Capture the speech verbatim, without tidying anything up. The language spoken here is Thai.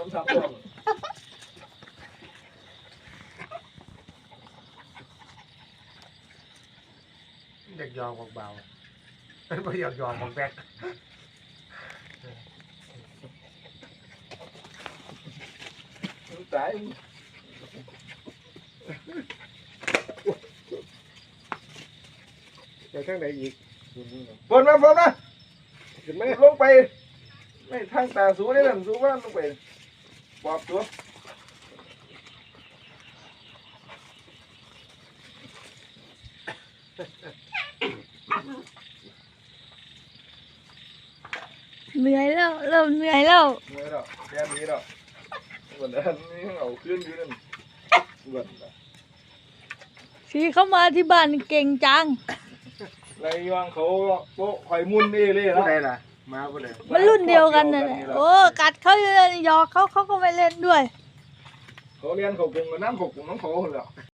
น้ำทับร่วงเด็กยอมของเบาเป็นประโยชน์ยอมของแบกตายไปทางไหนอีกฝนมาฝนมาขึ้นไหมลงไปไม่ทางตาสูได้หรือสูว่าลงไปปอบตัวเหนื่อยแล้วเริ่มเหนื่อยแล้วเมื่อเราแค่นี้เราวันนั้นนี่เอาขึ้นอยู่นั่นวันชีเข้ามาที่บ้านเก่งจังไรยองเขาโป๊ะคอยมุนเอเล่ผู้แล้วใดล่ะมาผู้ใดมันรุ่นเดียวกันน่ะแหละโอ้กัดเขาอยู่เลยหยอกเขาเขาก็ไม่เล่นด้วยเขาเรียนเขากงกับน้ำเขากงน้ำเขาเหรอ